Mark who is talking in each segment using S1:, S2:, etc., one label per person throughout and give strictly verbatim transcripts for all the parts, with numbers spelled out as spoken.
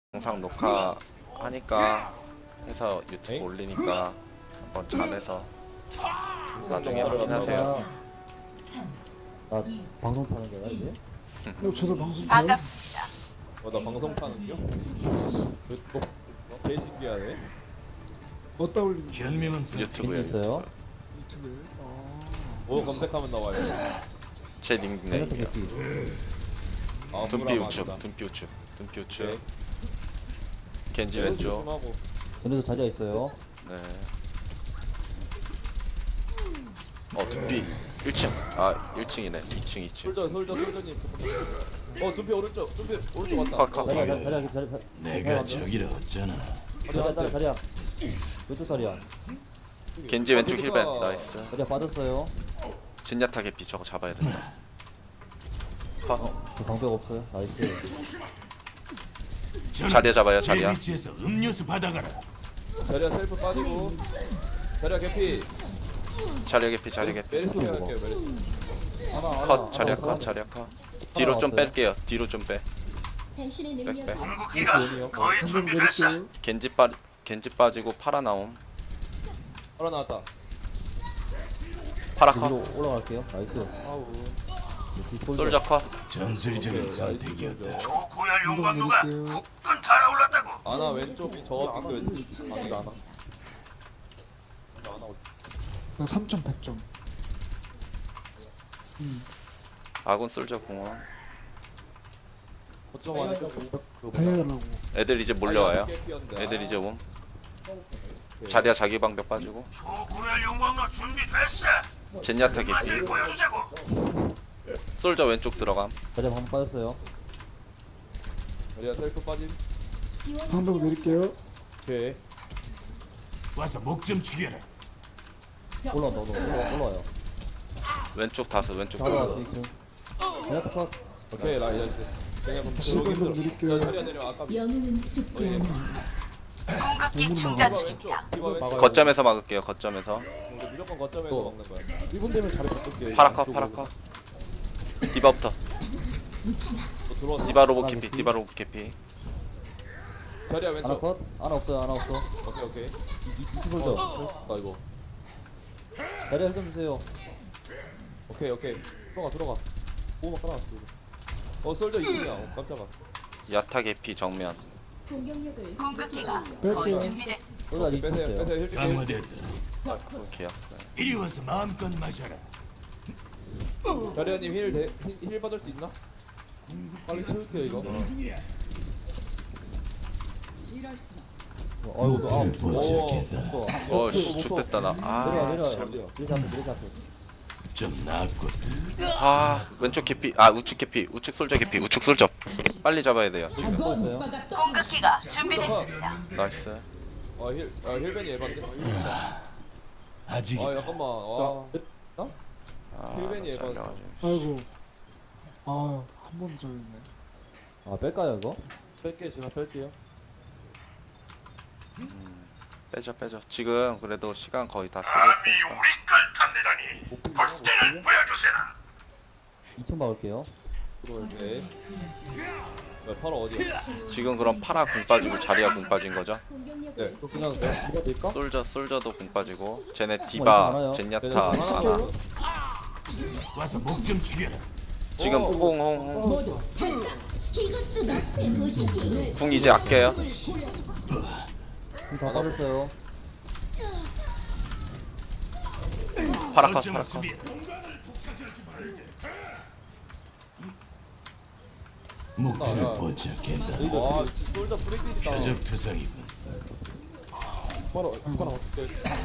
S1: 영상 녹화하니까 해서 유튜브
S2: 에이?
S1: 올리니까 한번 잘해서 나중에 확인하세요.
S3: 나 방송 타는 거야 이제?
S4: 어, 저도 방송 타요?
S2: 어, 나 방송 타는 겨? 어, 어, 개 신기하네.
S4: 어디다 올리는 거예요?
S5: 현명한
S1: 유튜브에
S3: 있어요?
S4: 유튜브에? 아,
S2: 뭐 검색하면 나와요.
S1: 제
S3: 제네트
S1: 닉네임이요.
S3: 개피.
S2: 아,
S1: 둔피
S2: 무라마
S1: 우측,
S2: 아니다.
S1: 둔피 우측, 둔피
S2: 네.
S1: 우측. 겐지 왼쪽.
S2: 조심하고.
S3: 전에도 자리가 있어요.
S1: 네. 어 둔피 일 층. 아 일 층이네. 이 층, 이 층.
S2: 솔저, 솔저, 솔저님. 어, 둔피 오른쪽, 둔피 오른쪽
S1: 컷,
S2: 왔다.
S1: 컷.
S3: 자리야 자리 자리야 자리 자리.
S5: 내가 저기라 어쩌나.
S3: 자리야 자리 자리야. 왼쪽 자리야.
S1: 겐지 왼쪽 힐벤. 나이스.
S3: 자리야 빠졌어요.
S1: 진야타 개피 저거 잡아야 된다. 컷.
S3: 저 방벽 없어요. 나이스.
S1: 자리야 잡아요, 자리야.
S5: 위치에서 음료수 받아가라.
S2: 자리야 셀프 빠지고. 자리야 개피.
S1: 자리야 개피, 자리야 개피.
S2: 메리 소리 할게요, 메리.
S3: 하나 하나.
S1: 컷. 자리야
S3: 하나,
S1: 컷, 자리야 컷. 뒤로 좀
S3: 나왔어요.
S1: 뺄게요. 뒤로 좀 빼.
S6: 당신의
S1: 백,
S6: 능력은
S1: 백.
S2: 요
S4: 방송 내릴게요.
S1: 겐지 빠 겐지 빠지고 파라 나옴.
S2: 하나 나왔다.
S1: 파라
S3: 위로
S1: 컷.
S3: 올라갈게요. 나이스.
S2: 아우.
S1: 솔저 컷.
S5: 전술적인
S2: 오케이,
S5: 선택이었다.
S2: 나이스.
S5: 고열
S4: 방송 내릴게요.
S2: 아나 왼쪽 저 그 아직 안 와. 아나 어디?
S4: 나 삼 점 백 점. 음,
S1: 아군 솔저 공원.
S2: 거점 안에 그
S4: 다 해달라고.
S1: 애들 이제 몰려와요. 애들 이제 옴. 자리야 자기 방벽 빠지고. 젠야타 개피. 솔저 왼쪽 들어감.
S3: 자리야 한번 빠졌어요.
S2: 자리야 셀프 빠짐.
S4: 방송 내릴게요.
S2: 오케이.
S5: 와서 목 좀 죽여라.
S3: 올라온다 올라 올라와요.
S1: 왼쪽 다스 왼쪽
S3: 잡아
S1: 다스.
S3: 지금. 제네트 컷.
S2: 오케이 라이언스. 그냥 그럼
S4: 다시
S2: 들어오기
S4: 한번
S2: 힘들어.
S4: 드릴게요.
S2: 자, 자리야 내려 아까.
S6: 영웅은 죽지 않아.
S2: 디바 왼쪽. 디바 왼쪽.
S1: 거점에서 막을게요. 거점에서.
S2: 우리 무조건 거점에서 먹는 거야.
S7: 일 분 되면 자리 바꿀게요.
S1: 파라 컷 파라 컷. 디바부터.
S2: 너 들어왔어.
S1: 디바 로봇 개피. 디바 로봇 개피.
S2: 자리야
S3: 하나
S2: 왼쪽.
S3: 컷. 하나 없어요. 하나 없어.
S2: 오케이 오케이.
S3: 이스 솔져.
S2: 아 이거.
S3: 자리야 좀 주세요.
S2: 오케이 오케이.
S7: 들어가 들어가. 오막 깔아놨어.
S2: 어 솔저 이승이야. 어, 깜짝아.
S1: 야타 개피 정면.
S6: 공격력을
S4: 뺄게요.
S3: 솔져 리스
S2: 빼세요
S3: 있어요.
S2: 빼세요 힐 줄게.
S5: 강화됐다.
S1: 오케이요.
S5: 이리 와서 마음껏 마셔라.
S2: 자리야님 힐, 대, 힐, 힐 받을 수 있나?
S7: 빨리 채울게요 이거.
S3: 어, 어이구 아.
S5: 도착했다.
S3: 어.
S1: 어씨 좋됐다 나.
S3: 내려와
S1: 아,
S3: 내려와.
S1: 잘-
S3: 내리자 앞에 내리자 앞에.
S5: 좀 낫군.
S1: 아 왼쪽 개피. 아 우측 개피. 우측 솔저 개피. 우측 솔저. 빨리 잡아야 돼요. 지금.
S3: 보였어요.
S6: 공격기가 준비됐습니다.
S1: 나이스.
S2: 아 힐, 아 힐벤이 에반데?
S5: 아직
S2: 아 잠깐만 아
S7: 나?
S1: 아,
S2: 힐벤이 에반.
S1: 잘려가지고.
S4: 아이고. 아, 한 번 져있네.
S3: 아 뺄까요 이거?
S7: 뺄게요. 제가 뺄게요.
S1: 빼죠 빼죠. 지금 그래도 시간 거의 다 쓰고 있으니까.
S3: 이 층 막을게요.
S2: 오케이 야 파라 어디야?
S1: 지금 그럼 파라 궁 빠지고 자리야 궁 빠진 거죠?
S6: 공격력을
S2: 네.
S7: 이거 그냥 내가 이거 될까?
S1: 솔저 솔저도 궁 빠지고 쟤네
S3: 어,
S1: 디바,
S3: 많아요.
S1: 젠야타,
S2: 네,
S1: 아나.
S5: 와서 목 좀 죽여라.
S1: 지금
S2: 오.
S1: 홍홍홍 궁 이제 아껴요.
S3: 다 빠졌어요.
S1: 파라 컷
S5: 거점을
S1: 파라 컷.
S5: 수비해. 목표를
S7: 야.
S5: 포착했다.
S2: 아 솔저 프리킬이다.
S5: 표적 투성이군.
S7: 바로 바로 어떻게?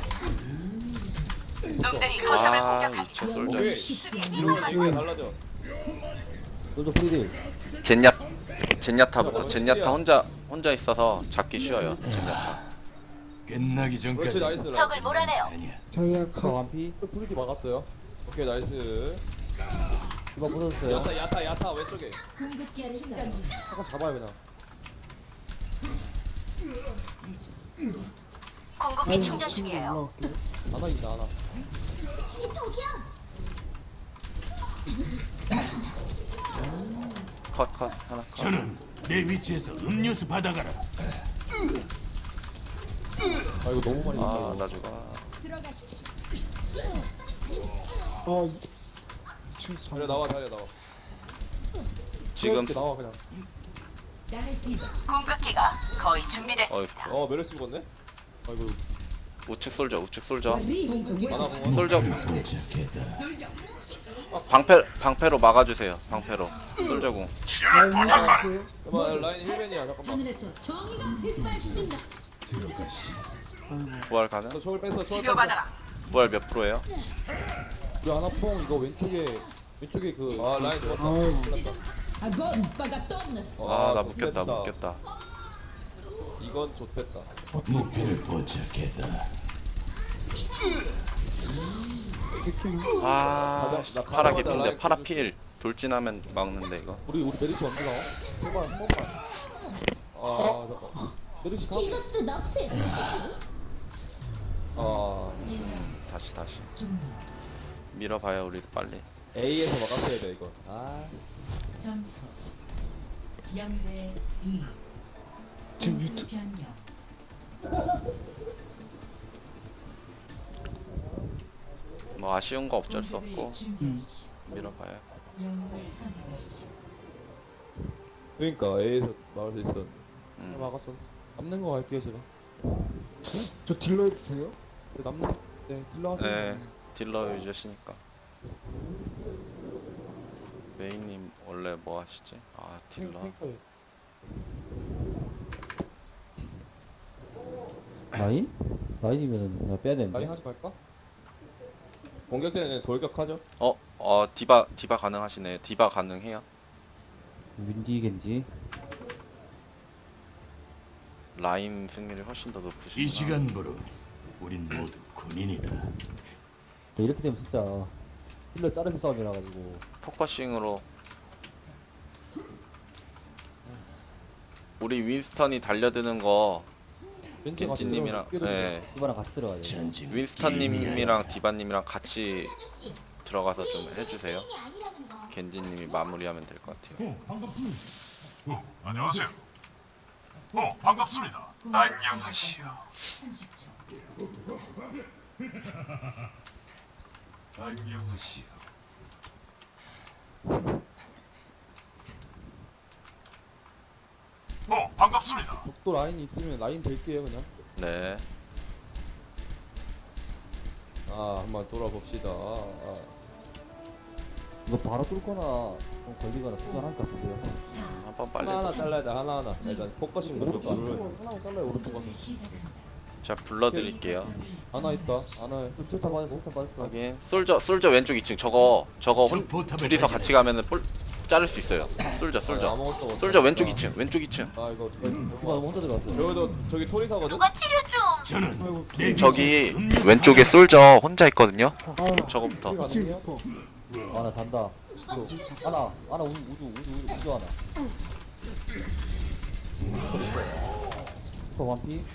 S1: 아 이차 솔저.
S2: 오케이 이러면 이게 달라져.
S3: 솔저 프리딜.
S1: 젠야 젠야타부터. 젠야타 혼자 혼자 있어서 잡기 쉬워요. 젠야타.
S5: 끝나기
S2: 그렇지
S5: 전까지
S2: 나이스
S6: 적을 몰아내요.
S5: 아니야.
S4: 자리야
S3: 카
S4: 컷.
S3: 완피.
S7: 브리디 막았어요.
S2: 오케이 나이스
S3: 이거 부서졌어요.
S2: 야타 야타 야타 왼쪽에
S6: 공격기를 충전.
S7: 잠깐 잡아요 그냥.
S6: 공격기 충전 중이에요.
S4: 올라갈게요.
S7: 하나 있다 하나.
S1: 컷 컷 하나 컷.
S5: 저는 내 위치에서 음료수 받아가라.
S7: 아 이거 너무 많이
S1: 아
S7: 아,
S1: 나 죽어.
S4: 어 지금
S7: 달려 나와 달려 나와.
S1: 지금
S7: 이렇게 나와 그냥.
S6: 공격기가 거의
S1: 어이
S6: 준비됐습니다.
S7: 어 메르시 죽었네. 아이고
S1: 우측 솔져 우측 솔져
S7: 하나 공원.
S1: 솔져
S5: 도착했다.
S1: 방패 방패로 막아주세요. 방패로 솔져궁.
S4: 라인 해주세요.
S7: 잠깐만 라인 힐맨이야 잠깐만.
S8: 하늘에서 정의가 빛발친다.
S1: 부활 가능?
S7: 너 저걸 뺐어 저걸 뺐어.
S6: 치료받아라.
S1: 부활 몇 프로예요?
S3: 우리 아나퐁 이거 왼쪽에 왼쪽에 그
S7: 아 라인 죽었다.
S4: 아유
S8: 아건 바가떴네.
S1: 아 나
S7: 아,
S1: 묶였다
S7: 묶였다.
S1: 묶였다.
S7: 이건 좋겠다.
S5: 목표를 포착했다.
S4: 이렇게는
S1: 아
S7: 가자, 나
S1: 파라
S7: 가자마자
S1: 개피인데
S7: 라인
S1: 파라
S7: 끊을
S1: 필 돌진하면 막는데 이거.
S3: 우리 우리 메르시 언제 나와? 한번 한 번만.
S7: 아 잠깐.
S3: 메르시 가.
S8: 이것도 너프의 뜻이지.
S7: 아
S1: 다시 다시 밀어봐요 우리 빨리.
S7: A에서 막았어야 돼 이거. 아
S8: 점수 영 대 이.
S4: 지금 유튜
S8: 변경.
S1: 뭐 아쉬운 거 어쩔 수 없고
S8: 준비하십시오.
S1: 밀어봐요.
S8: 영웅을 선택하십시오.
S7: 그러니까 A에서 막을 수 있어.
S1: 음.
S3: 막았어. 남는 거 갈게요 제가.
S4: 저 딜러 해도 돼요?
S3: 네, 남는 네 딜러 하세요.
S1: 네 딜러 유저시니까. 메인님 원래 뭐 하시지? 아
S3: 탱-
S1: 딜러.
S3: 탱커예요.
S2: 라인? 라인이면은 나 빼야 되는데.
S3: 라인 하지 말까?
S7: 공격자는 돌격하죠.
S1: 어? 어 디바 디바 가능하시네. 디바 가능해요?
S2: 윈디 겐지.
S1: 라인 승률이 훨씬 더 높으시구나.
S5: 이 시간부로 우린 모두 군인이다.
S2: 이렇게 되면 진짜 힐러 자르기 싸움이라 가지고.
S1: 포커싱으로 우리 윈스턴이 달려드는 거
S3: 왠지 같이
S1: 겐지님이랑
S3: 들어가면
S1: 네
S2: 이거랑 같이 들어가야 돼.
S5: 전진.
S1: 윈스턴님이랑 디바님이랑 같이 들어가서 좀 해주세요. 겐지님이 마무리하면 될 것 같아요.
S5: 안녕하세요. 어 반갑습니다.
S8: 안녕하시오. 삼십 초.
S5: 안녕하시오. 어 반갑습니다.
S3: 벽도 라인이 있으면 라인 될게요 그냥.
S1: 네.
S7: 아 한번 돌아봅시다. 아.
S2: 이거 바로 뚫거나 좀 걸리거나 투자할 것 같은데요.
S1: 한번 빨리.
S7: 하나 하나 잘라야 돼 하나 하나. 일단 포커싱 먼저
S3: 오른쪽
S7: 누르.
S3: 오른쪽은 하나만 잘라요 오른쪽 가서.
S8: 시작한다.
S1: 자 불러드릴게요.
S3: 하나 있다. 하나.
S2: 술탄 맞았어, 술탄 맞았어.
S1: 확인. 솔저 솔저 왼쪽 이 층. 저거 저거 혼,
S5: 적 포탑을
S1: 둘이서
S5: 발견했다.
S1: 같이 가면은 볼 자를 수 있어요. 솔저 솔저.
S7: 아무것도 없어.
S1: 솔저 왼쪽 이 층. 왼쪽 이 층.
S3: 아 이거
S2: 이거 혼자 들어갔어.
S7: 여기도 저기 토리사거든.
S6: 누가 치료 좀.
S5: 저는
S4: 아이고
S5: 내
S1: 저기
S5: 위치에서 음료수
S1: 왼쪽에 솔저 혼자 있거든요.
S4: 아
S1: 저거부터.
S3: 우리
S4: 지금
S3: 가능해요?
S4: 리퍼
S2: 아나 잔다. 하나, 하나 우주, 우주, 우주, 우주, 우주 하나. 슈퍼 완피.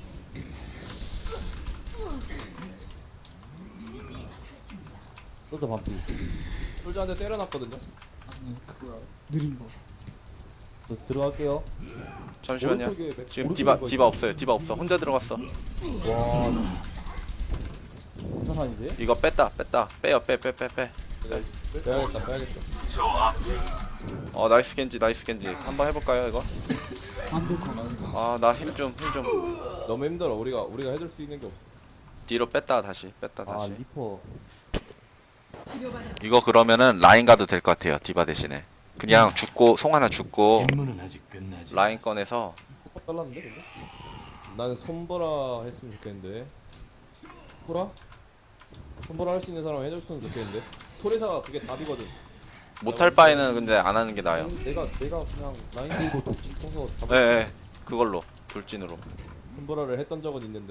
S2: 또도 완피.
S7: 솔저한테 때려놨거든요.
S4: 그거야 느린 거.
S2: 저 들어갈게요.
S1: 잠시만요.
S3: 오른쪽에 맥-
S1: 지금
S3: 오른쪽에
S1: 디바
S3: 이거
S1: 디바 없어요. 디바 없어. 혼자 들어갔어.
S2: 와. 부산산인데?
S1: 이거 뺐다 뺐다. 빼요 빼 빼 빼 빼.
S7: 빼야겠다 빼야겠다.
S1: 어 나이스 겐지 나이스 겐지. 한번 해볼까요 이거?
S4: 안될 거 같아.
S1: 아 나 힘 좀 힘 좀.
S7: 너무 힘들어. 우리가 우리가 해줄 수 있는 게 없어.
S1: 뒤로 뺐다 다시 뺐다
S2: 아,
S1: 다시.
S2: 리퍼.
S1: 이거 그러면은 라인 가도 될 것 같아요. 디바 대신에. 그냥 죽고 송 하나 죽고
S5: 임무는 아직 끝나지.
S1: 라인 꺼내서
S3: 포커 잘랐는데 근데?
S7: 나는 손보라 했으면 좋겠는데.
S3: 보라?
S7: 손보라 할 수 있는 사람 해줬으면 좋겠는데. 토리사가 그게 답이거든.
S1: 못할 바에는 근데 안 하는 게 나아요.
S3: 내가 내가 그냥 라인 들고 독진 써서 잡을
S1: 예, 예. 그걸로 돌진으로.
S7: 손보라를 했던 적은 있는데.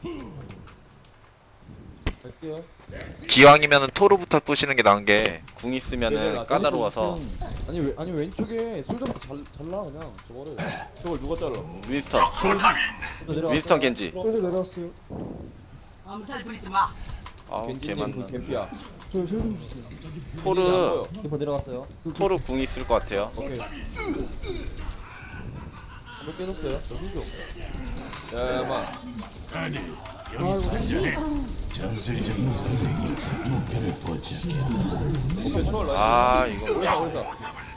S3: 갈게요.
S1: 기왕이면은 토르부터 부시는 게 나은 게 궁
S7: 얘들아,
S1: 있으면은 까다로워서
S3: 아니 왜 아니 왼쪽에 솔저부터 잘 잘라 그냥 저거를.
S7: 저걸 누가 잘라?
S1: 윈스턴
S2: 또 내려왔어.
S1: 윈스턴 겐지.
S4: 솔저 내려왔어요.
S6: 엄살 부리지 마.
S1: 아우 개
S7: 겐지님 그
S1: 많나.
S7: 갬피야.
S4: 저 힐좀 주세요.
S1: 토르
S2: 리퍼 내려갔어요.
S1: 토르 궁 있을 것 같아요.
S7: 오케이.
S2: 몇 깨졌어요? 저 힐 좀.
S7: 야야마
S5: 아니 여기서 한잔해. 전술적인 선택이 목표를 포착해.
S7: 오케이 초월 나이스.
S1: 아 이거
S7: 오리사 오리사.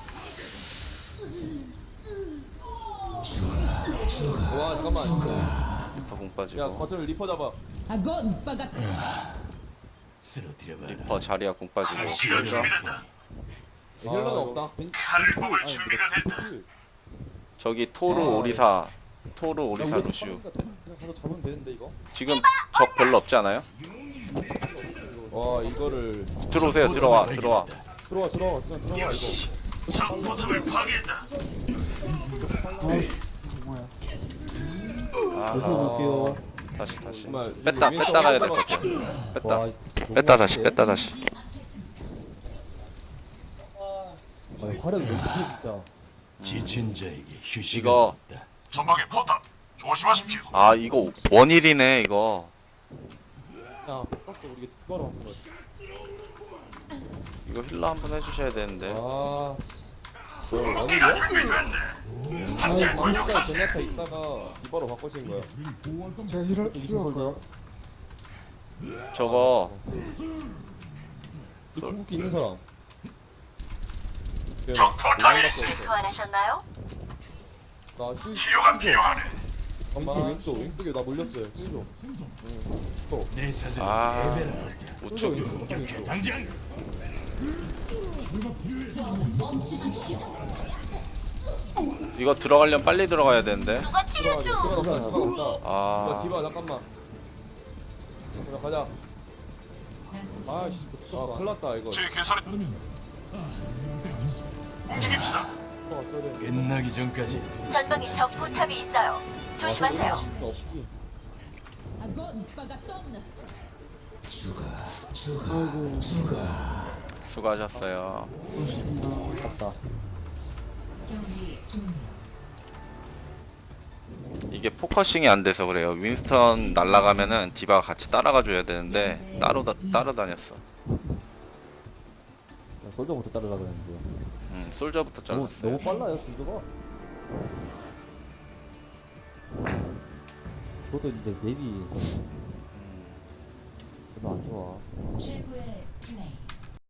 S7: 와 잠깐만.
S1: 리퍼 공
S7: 야
S1: 빠지고
S7: 거슬 리퍼 잡아.
S5: 쓰러뜨려봐라.
S1: 리퍼 자리야 공 빠지고
S5: 시간 준비됐다.
S7: 힐러는
S2: 아,
S7: 없다.
S5: 칼을 뽑을 준비가 됐다.
S1: 저기 토르
S2: 아,
S1: 오리사 토르 오리사
S2: 우리가
S1: 루시우
S2: 빠르니까 돼. 그냥 가서 잡으면 되는데 이거.
S1: 지금 적 별로 없지 않아요?
S7: 와 이거를
S1: 들어오세요 들어와 들어와
S2: 들어와 들어와 그냥 들어와 이거.
S5: 적 포탑을 파괴했다.
S4: 뭐야?
S1: 아,
S3: 요새 볼게요.
S1: 다시 다시
S7: 정말
S1: 뺐다
S7: 윈스턴
S1: 뺐다 가야 될 것
S7: 윈스턴
S1: 같아요 뺐다
S3: 와,
S1: 뺐다 다시 뺐다 다시
S3: 아, 화력이 너무 크네 진짜.
S5: 지친 자에게 휴식은
S1: 이거
S5: 없다. 전방에 포탑 조심하십시오.
S1: 아 이거 원일이네 이거
S2: 야 땄어 우리 이거로 한번 거지.
S1: 이거 힐러 한번 해주셔야 되는데
S7: 아 뭐야 원일이야? 아니 방금까지 제네타 있다가 이바로 바꾸신 거야.
S4: 제가 힐을 힐할까요?
S1: 저거
S2: 이 궁극기 있는 사람.
S5: 적 포탑이
S6: 소환하셨나요?
S2: 나 힐.
S5: 치료가 필요하네.
S2: 왼쪽 왼쪽 왼쪽에 나 물렸어요. 힐 좀. 또.
S5: 내 사전
S1: 아
S5: 레벨을 얻자.
S1: 우측
S2: 왼쪽 왼쪽.
S5: 당장
S1: 이거 들어가려면 빨리 들어가야 되는데
S6: 누가 치료 중.
S7: 디바 없다 디바 없다. 디바
S1: 아
S7: 디바 잠깐만. 그래 가자.
S2: 아씨.
S7: 아 큰일났다 이거.
S5: 제 계산에 움직입시다.
S2: 왔어야 되는데.
S5: 끝나기 전까지
S6: 전방에 적 포탑이 있어요. 조심하세요.
S2: 없지.
S4: 아이고.
S1: 수고하셨어요
S4: 고맙습니다.
S3: 맞다.
S8: 경기 종료.
S1: 이게 포커싱이 안 돼서 그래요 윈스턴 날아가면은 디바가 같이 따라가 줘야 되는데 따로 다, 따로 다녔어
S3: 솔저부터 자르려 그랬는데.
S1: 음 솔저부터
S3: 너무
S1: 잘랐어요
S3: 너무 빨라요 솔저가. 그것도 이제 맵이 별로 안 좋아.
S8: 최고의